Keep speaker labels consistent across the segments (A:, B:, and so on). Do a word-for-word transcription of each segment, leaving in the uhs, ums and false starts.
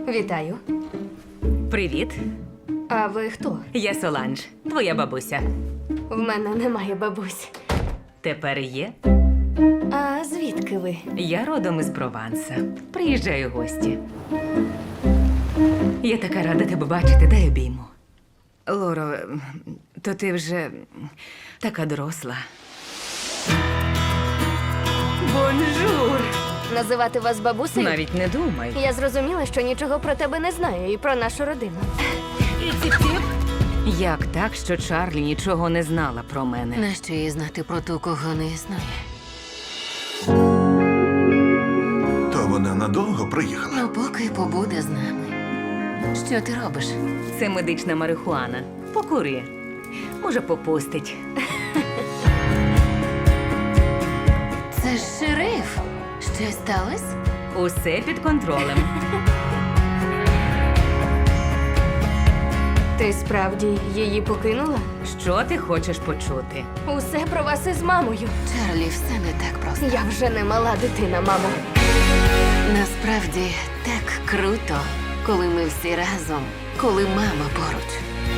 A: Вітаю.
B: Привіт,
A: А ви хто?
B: я Соланж, твоя бабуся.
A: В мене немає бабусь.
B: Тепер є.
A: А звідки ви?
B: Я родом із Прованса. Приїжджаю в гості. Я така рада тебе бачити, дай обійму. Лоро, то ти вже така доросла. Бонжур!
A: Називати вас бабусею?
B: Навіть не думай.
A: Я зрозуміла, що нічого про тебе не знаю і про нашу родину.
B: І ціп-ціп. Як так, що Чарлі нічого не знала про мене?
C: Нащо їй знати про ту, кого не існує?
D: То вона надовго приїхала?
C: Ну, поки побуде з нами. Що ти робиш?
B: Це медична марихуана. Покури. Може, попустить.
C: Це ж шериф. Щось сталося?
B: Усе під контролем.
A: Ти справді її покинула?
B: Що ти хочеш почути?
A: Усе про вас із мамою.
C: Чарлі, все не так просто.
A: Я вже не мала дитина, мамо.
C: Насправді так круто, коли ми всі разом, коли мама поруч.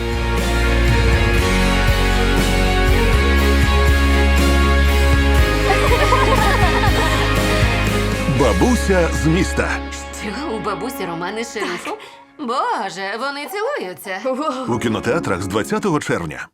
D: Бабуся з міста.
C: Що, у бабусі романи з шерифом? Боже, вони цілуються.
A: Воу.
D: У кінотеатрах з двадцятого червня.